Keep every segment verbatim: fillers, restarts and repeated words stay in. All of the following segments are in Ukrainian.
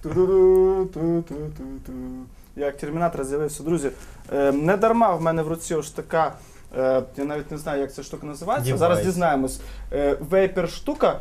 Ту-ду-ду-ту-ту-ту-ту. Я як термінатор з'явився. Друзі, е, не дарма в мене в руці ось така, е, я навіть не знаю, як ця штука називається, Девайс. зараз дізнаємось. Е, вейпер-штука.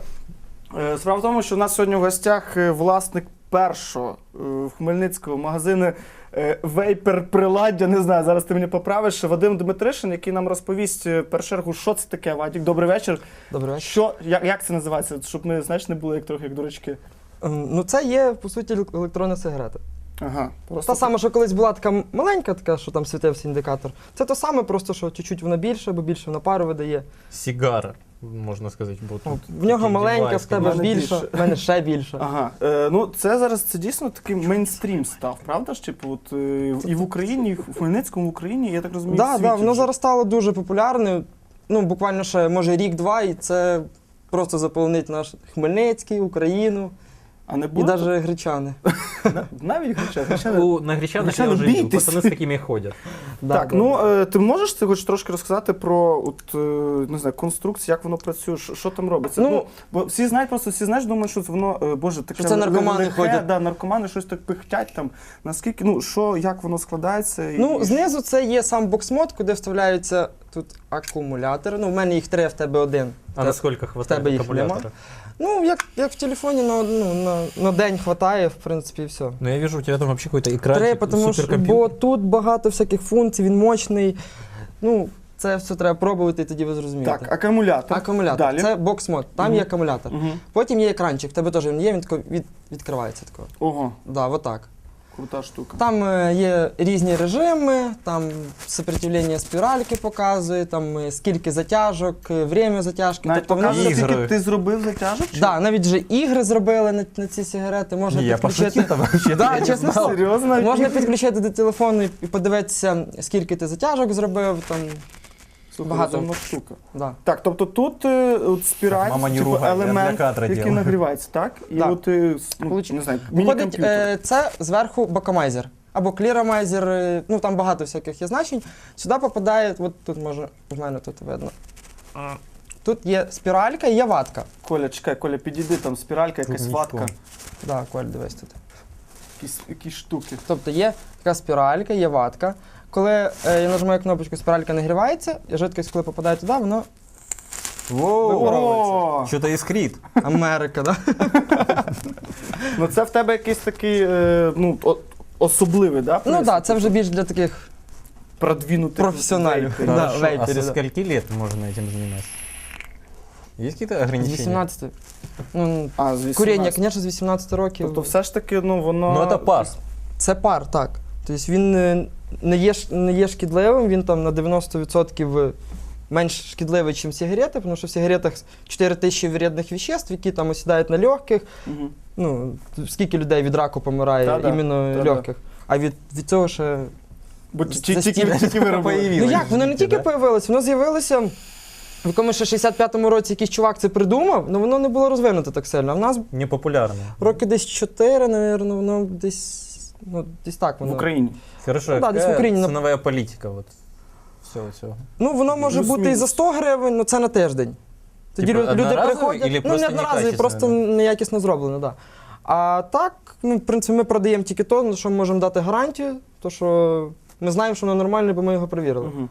Е, справа в тому, що у нас сьогодні в гостях е, власник першого е, в Хмельницькому магазину е, вейпер-приладдя, не знаю, зараз ти мені поправиш, Вадим Дмитришин, який нам розповість е, в першу чергу, що це таке, Вадік. Добрий вечір. Добрий вечір. Що, як, як це називається, щоб ми, знаєш, не були як трохи як дурачки? Ем, Ну це є, по суті, електронна сигарета. Ага, просто Та сама, що колись була така маленька, така, що там світився індикатор. Це те саме, просто що чуть-чуть вона більше, бо більше вона пару видає. Сигара, можна сказати. Бо тут В нього такий маленька, девайс, в тебе мене більша, більше. в мене ще більше. Ага, е, ну це зараз це дійсно такий мейнстрім став, правда ж? Типу, от е, і в Україні, і в Хмельницькому, в Україні, я так розумію, Так, в да, світі воно вже. зараз стало дуже популярним. Ну, буквально ще, може, рік-два, і це просто заполонить наш Хмельницький, Україну А не і буде? навіть гречани. На- Навіть гречани. гречани. У, на гречанах я Гречани вже видел, бійтесь. пацаны с такими ходят. Да, Так, да, ну да. е, ти можеш ти хоч трошки розказати про от, е, не знаю, конструкцію, як воно працює, що, що там робиться? Ну, Ну, бо всі знають, просто всі знають, думають, що воно, е, боже, таке Що це наркомани лихе, ходять. Да, наркомани щось так пихтять там. Наскільки, ну, що, як воно складається? І, Ну, знизу це є сам бокс-мод, куди вставляються тут акумулятори. Ну, в мене їх три, а в тебе один. А насколько хватает тебе їх аккумулятора? Ну, як, як в телефоні на, ну, на, на день хватає, в принципі, і все. Ну я вижу, у тебя там вообще какой-то экранчик, Три, тому що, суперкомпьютер. бо тут багато всяких функцій, він мощний. Ну, це все треба пробувати, і тоді ви зрозумієте. Так, акумулятор. Акумулятор. Далі. Це бокс-мод, там Мгм. є акумулятор. Угу. Потім є екранчик, в тебе теж він є, він тако від, відкривається тако. Ого, Да, отак. крута штука. Там е, є різні режими, там сопротивлення спіральки показує, там е, скільки затяжок, е, время затяжки. Навіть тобто воно показує, все- ігри. скільки ти зробив затяжок? чи? Да, навіть вже ігри зробили на, на ці сигарети, можна Не, я підключити. пошутил там вообще. Да, чесно слово. Серйозно? Можна підключити до телефону і і подивитися, скільки ти затяжок зробив. Там, Слухай, багато. розумна штука. да. Так, тобто тут е, от спіраль, Мама, не типу, ругай, я для елемент, кадра який делаю. нагрівається, так? І Да. от, е, с- ну, Получ- не знаю, Виходить, міні-комп'ютер. е, це зверху бакомайзер. Або кліромайзер, е, ну там багато всяких є значень. Сюди попадає, от тут може, в мене тут видно. Тут є спіралька і є ватка. Коля, чекай, Коля, підійди, там спіралька, якась Тут ватка, нічого. Да, Коль, дивись тут. якісь, якісь штуки. Тобто є така спіралька, є ватка. Коли е, я нажимаю кнопочку, спіралька нагрівається, і жидкість, коли попадає туди, воно випаровується. О! Что-то искрит. Америка, да? Ну це в тебе якийсь такий, е, ну, о- особливий, да? Ну пристрій? так, да, це вже більш для таких Продвинутих професіоналів. вейперів. Да, Хорошо. А вейперы, со да. скольки лет можно этим заниматься? Есть какие-то З ограничения? вісімнадцяти. Ну, А, з куріння, вісімнадцяти. звісно, з вісімнадцяти років. Тобто все ж таки, ну, воно... Ну это пар. Це пар, так. Тобто він е, не є, ш- не є шкідливим, він там на дев'яносто відсотків менш шкідливий, ніж сигарети, тому що в сигаретах чотири тисячі вредних веществ, які там осідають на легких. Мгм. Ну, скільки людей від раку помирає Та-да, іменно та-да. легких. А від, від цього ще... Бо ті- ті- за тільки, стільки тільки ви робили. появилось. Ну як, воно не Життя, тільки да? появилось, воно з'явилося в якомусь ще шістдесят п'ятому році якийсь чувак це придумав, але воно не було розвинуто так сильно. А в нас Непопулярно. роки десь чотири, напевно, воно десь, ну, десь так В воно. Україні. Хорошо, Ну да, какая здесь в Украине, но- ценовая политика? Вот. Все, все. Ну, воно може Плюс-мінус. бути і за сто гривень, але це на тиждень. Тоді Типа, лю- люди одноразовий приходять, или ну просто не одноразові, некачественно, просто да? неякісно зроблено, так. Да. А так, ну, в принципі, ми продаємо тільки то, на що ми можемо дати гарантію, то що ми знаємо, що воно нормальне, бо ми його перевірили. Мгм.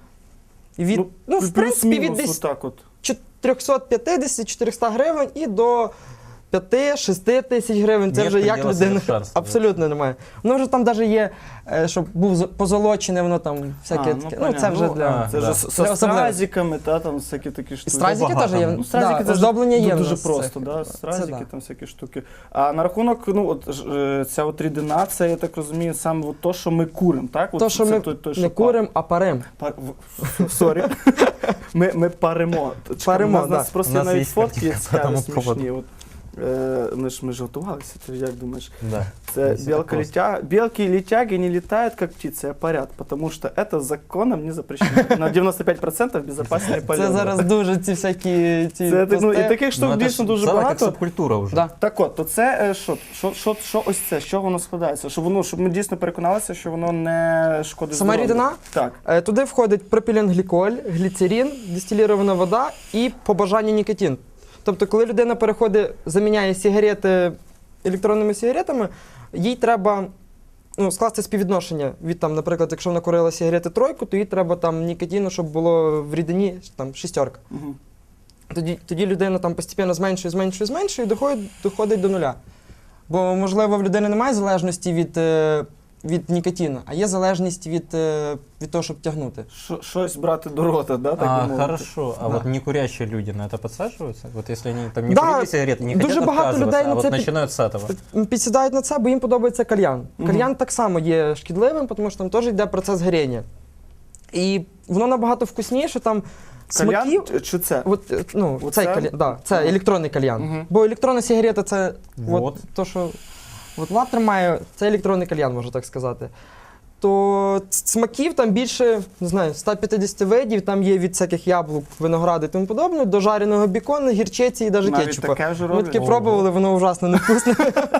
І від, ну, в принципі, від плюс-мінус десь отак от. триста п'ятдесят - чотириста гривень і до п'ять-шість тисяч гривень. Це Нет вже як предела людина. совершенства, Абсолютно немає. Воно вже там навіть є, е, щоб був з- позолочене, воно там всяке А, ну, таке. Ну, це понятно. вже Ну, для. Це Да. ж з- Для со особливих. стразиками, та, там всякі такі І штуки. стразики багато. теж є. Ну, стразики да, це ж оздоблення є. в дуже нас просто, цих. да? Це Стразики, да. там всякі штуки. А на рахунок, ну, от, ж, е, ця от рідина, це, я так розумію, саме от то, що ми куримо, так? От То, що це ми той- той, не пар- куримо, а парим. Пар... в- Сорі. Ми, ми паримо. Чекай, Паримо, у нас, да. нас просто У нас навіть є фотки картинка по цікаві, тому смішні. поводу. От, е, ми ж ми ж готувалися, ти як думаєш? Да. Це Если белка так летя... Белки и летяги не летают, как птицы, а парят, потому что это законом не запрещено. На дев'яносто п'ять відсотків безопасний полет. Це зараз дуже ці всякі ці Це, так, ну, і пости. таких штук Ну, это дійсно ж дуже целая как багато. субкультура уже. Да. Так от, то це е, що? Що, що, що ось це? Що воно складається? Щоб воно, щоб ми дійсно переконалися, що воно не шкодить Сама здоров'ю. рідина? Так. Е, Туди входить пропіленгліколь, гліцерин, дистилірована вода і по бажанню нікотин. Тобто, коли людина переходить, заміняє сигарети електронними сигаретами, їй треба ну, скласти співвідношення від, там, наприклад, якщо вона курила сигарети тройку, то їй треба там нікотину, щоб було в рідині там, шістерка. Угу. Тоді, тоді людина там постійно зменшує, зменшує, зменшує і доходить, доходить до нуля. Бо, можливо, в людини немає залежності від, е, від нікотину, а є залежність від, е, від того, щоб тягнути. Що- Щось брати до рота, да, так А, би мовити? хорошо. А Да. вот некурящие люди на это подсаживаются? Вот если они там не Да, курили сигареты, не дуже хотят багато отказываться, людей а на вот це під- начинают с этого. Підсідають на це, бо їм подобається кальян. Мгм. Кальян так само є шкідливим, тому що там теж йде процес горіння. І воно набагато вкусніше, там Кальян смаків. чи- чи це? От, е, ну, Оце? цей кальян, да, це Ага. електронний кальян. Мгм. Бо електронна сигарета це Вот. от, то, що от Влад тримає, це електронний кальян, можна так сказати. То ц- смаків там більше, не знаю, сто п'ятдесят видів, там є від всяких яблук, винограду і тому подобне, до жареного бікону, гірчиці і навіть Навіть кетчупа. таке вже Ми роблять? таке Ого. пробували, воно ужасно невкусне.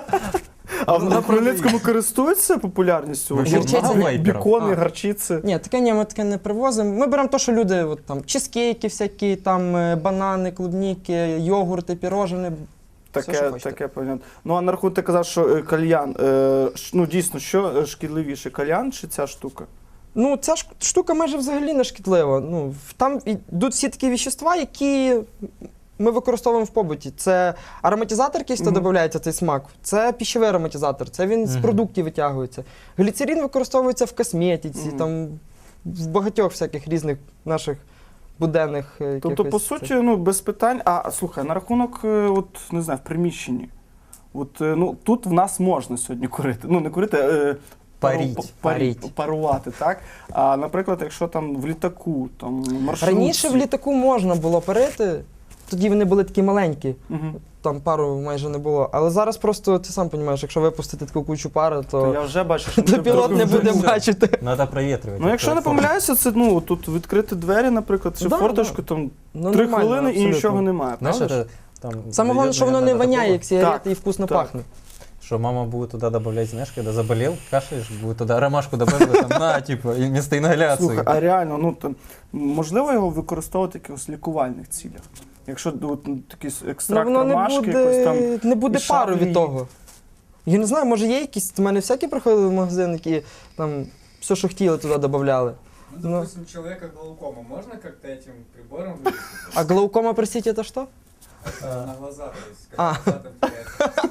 А на Хмельницькому користуються популярністю? Вообще От, много вейперів? Бікони, А. гарчиці. Ні, таке ні, ми таке не привозимо. Ми беремо те, що люди, от, там, чизкейки всякі, там, е, банани, клубніки, йогурти, пірожини. Все, що Таке, хочете. таке понятно. Ну, а на рахунок ти казав, що е, кальян. Е, ш- ну, дійсно, що е, шкідливіше, кальян чи ця штука? Ну, ця ж штука майже взагалі не шкідлива. Ну, в- там йдуть всі такі вещества, які ми використовуємо в побуті. Це ароматизатор, якийсь то Мгм. додається цей смак. Це піщовий ароматизатор, це він з Мгм. продуктів витягується. Гліцерин використовується в косметиці, Мгм. там, в багатьох всяких різних наших буденних. е, Тобто, якихось по цих- суті, ну, без питань. А слухай, на рахунок, е, от, не знаю, в приміщенні. От, е, ну, тут в нас можна сьогодні курити. Ну, не курити, а е, пару- Паріть. па- парі- Паріть. парувати, так? А, наприклад, якщо там в літаку, там, маршрутці. Раніше в літаку можна було парити, тоді вони були такі маленькі, Мгм. там пару майже не було. Але зараз просто, ти сам розумієш, якщо випустити таку кучу пари, То то, я вже бачу, що то ми пілот не вже- буде вже- бачити. Надо проветривать. Ну, якщо не Платформу. помиляюся, це ну, тут відкрити двері, наприклад, чи Да, форточку, там Ну, три нормально, хвилини і абсолютно. нічого немає. Знаешь, правда ж? это там... Саме головне, дойдет, що воно не наверное, до воняє, такого, як сигарета, Так, і вкусно так. пахне. Что мама будет туда добавлять, знаешь, когда заболел, кашляешь, будет туда ромашку добавить, там, на, типа, и вместо ингаляции. Слухай, а реально, ну там можливо його використовувати в якихось лікувальних цілях? Якщо от, ну, якийсь Ну, екстракт воно не ромашки, якось там. буде, не буде і пару шаблі. від того. Я не знаю, може є якісь, в мене всякі приходили в магазин, які там все, що хотіли, туди додавали. Ну, допустим, у человека глаукома, можно как-то этим прибором вылечить? А глаукома, простите, це що? Это на глаза, то есть, А. как глаза там теряется.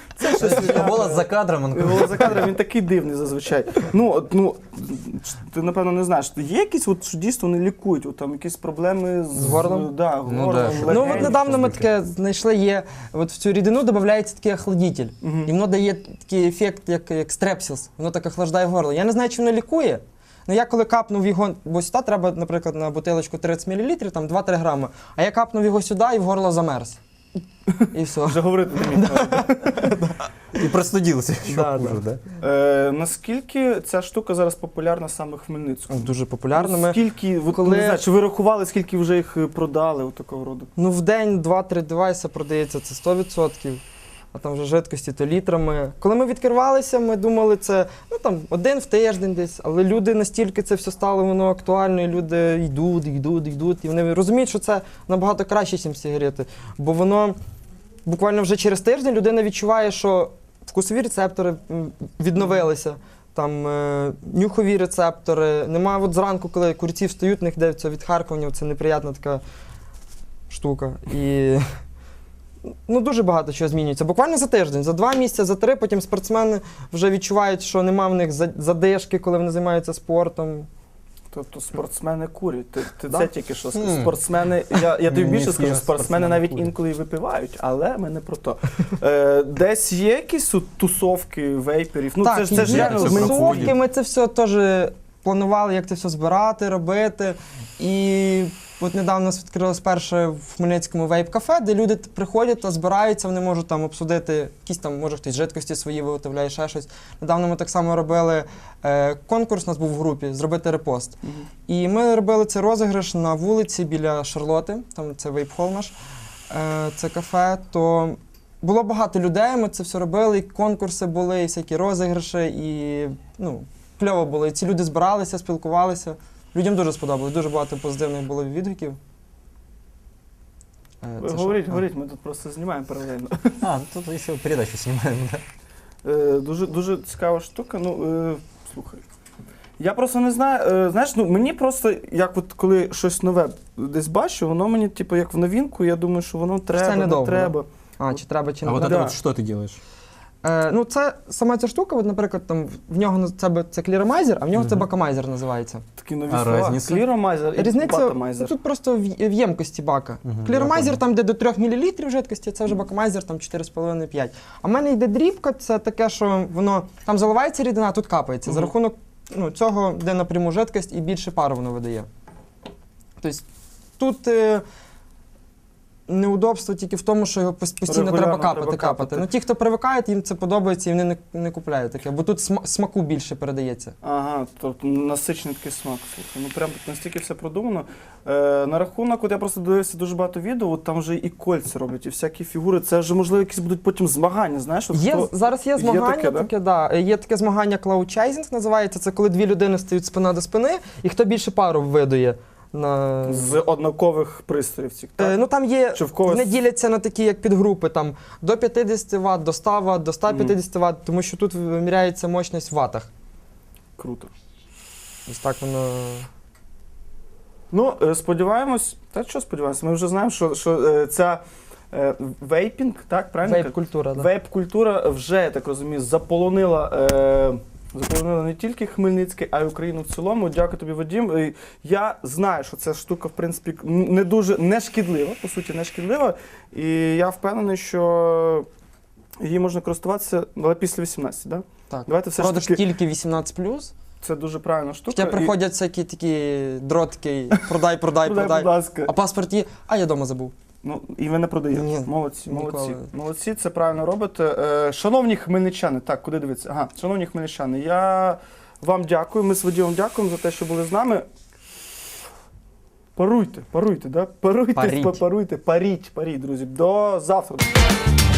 Голос за кадром, он Голос за кадром, він такий дивний зазвичай. Ну, от, ну, ти, напевно, не знаєш, є якісь, от, що дійсно вони лікують, от, там якісь проблеми з, З горлом? Да, Ну, горлом, да, що- Ну, легень. от недавно ми щось таке знайшли, є, от в цю рідину додається такий охладитель. Мгм. І воно дає такий ефект, як, як стрепсілс. Воно так охлаждає горло. Я не знаю, чи воно лікує. Ну я коли капнув його, бо сюди треба, наприклад, на бутилочку тридцять мілілітрів, там два-три грами. А я капнув його сюди і в горло замерз. І все. Вже говорити не міг. и простудился еще Да, хуже, да? Е, наскільки ця штука зараз популярна саме в Хмельницькому? Дуже популярно. Ми, Скільки, от, коли- не знаю, чи ви рахували, скільки вже їх е, продали, от такого роду? ну, в день два-три девайси продається, це сто відсотків. А там вже жидкості, то літрами. Коли ми відкривалися, ми думали, це ну, там, один в тиждень десь, але люди настільки це все стало воно актуально, і люди йдуть, йдуть, йдуть, і вони розуміють, що це набагато краще, ніж сигарети. Бо воно буквально вже через тиждень людина відчуває, що вкусові рецептори м, відновилися, там е, нюхові рецептори. Нема от зранку, коли курці встають, в них де це відхаркування, це неприємна така штука. І ну, дуже багато чого змінюється. Буквально за тиждень, за два місяці, за три, потім спортсмени вже відчувають, що нема в них за- задишки, коли вони займаються спортом. Тобто спортсмени курять. Ти, ти Да. це тільки що сказав. Хм. Спортсмени, я, я тобі Ні, більше всі скажу, спортсмени спортсмени навіть курять. інколи і випивають, але ми не про то. Е, десь є якісь от тусовки вейперів? Ну це ж це ж є реально це ми- проходить. тусовки, ми це все теж планували, як це все збирати, робити. І от недавно у нас відкрилось перше в Хмельницькому вейп-кафе, де люди т- приходять та збираються, вони можуть там обсудити якісь там, може хтось жидкості свої виготовляє, ще щось. Недавно ми так само робили е, конкурс, у нас був в групі, зробити репост. Мгм. І ми робили цей розіграш на вулиці біля Шарлоти, там це вейп-хол наш, е, це кафе, то було багато людей, ми це все робили, і конкурси були, і всякі розіграші, і ну, кльово було. І ці люди збиралися, спілкувалися. Людям дуже сподобалось, дуже багато позитивних було відгуків. Е, Ви це Говоріть, що? говоріть, ми тут просто знімаємо паралельно. А, тут еще передачу снимаем, да. Е, Дуже, дуже цікава штука. Ну, е, слухай. Я просто не знаю, е, знаєш, ну мені просто, як от коли щось нове десь бачу, воно мені, типу, як в новинку, я думаю, що воно треба, не недовго, треба. А, чи треба, чи А не вот треба. это вот что ты делаешь? Е, ну, це сама ця штука, от, наприклад, там в нього на- це, б- це кліромайзер, а в нього це Мгм. бакомайзер називається. Такі нові А слова. різниця? Кліромайзер і Різниця ну, батомайзер. тут просто в, в ємкості бака. Мгм, я Кліромайзер понял. там, де до трьох мілілітрів жидкості, це вже бакомайзер там чотири з половиною - п'ять. А в мене йде дрібка, це таке, що воно там заливається рідина, а тут капається. За Мгм. рахунок ну, цього, де напряму жидкость і більше пару воно видає. Тобто тут е, неудобство тільки в тому, що його пос- постійно Регулярно треба капати, треба капати. капати. Ну ті, хто привикають, їм це подобається і вони не, не купляють таке, бо тут сма- смаку більше передається. Ага, тобто насичений такий смак. Слухай, ну прям тут настільки все продумано. Е, на рахунок, от я просто дивився дуже багато відео, от там вже і кольця роблять, і всякі фігури. Це вже, можливо, якісь будуть потім змагання, знаєш? От Є, хто- зараз є є змагання таке, таке, да? да? Є таке змагання Cloud Chasing називається. Це коли дві людини стають спина до спини, і хто більше пару видує. На... З однакових пристроїв цих, так? Е, ну там є, Чи в когось- вони діляться на такі як підгрупи, там до п'ятдесят ватт, до ста ватт, до ста п'ятдесят ватт, тому що тут виміряється мощність в ватах. Круто. Ось так воно. Ну, е, сподіваємось, та що сподіваємось, ми вже знаємо, що, що е, ця е, вейпінг, так, правильно? Вейп-культура, да. Вейп-культура вже, я так розумію, заполонила, е, заполонила не тільки Хмельницький, а й Україну в цілому. Дякую тобі, Вадим. Е, Я знаю, що ця штука, в принципі, не дуже не шкідлива, по суті, не шкідлива. І я впевнений, що її можна користуватися, але після вісімнадцяти, да? Так. Давайте все ж Продаж таки, тільки вісімнадцять плюс. це дуже правильна штука. Хоча І- приходять всякі такі дротки, продай, продай, Продай, продай. будь ласка. А паспорт є, а я вдома забув. Ну, і ви не продаєте. Ні, молодці, ніколи. молодці. Молодці, це правильно робите. Е, шановні хмельничани, так, куди дивитися? Ага, шановні хмельничани, я вам дякую, ми з Вадимом дякуємо за те, що були з нами. Паруйте, паруйте, да? Паруйте, Паріть. паруйте, паріть, паріть, друзі. До завтра.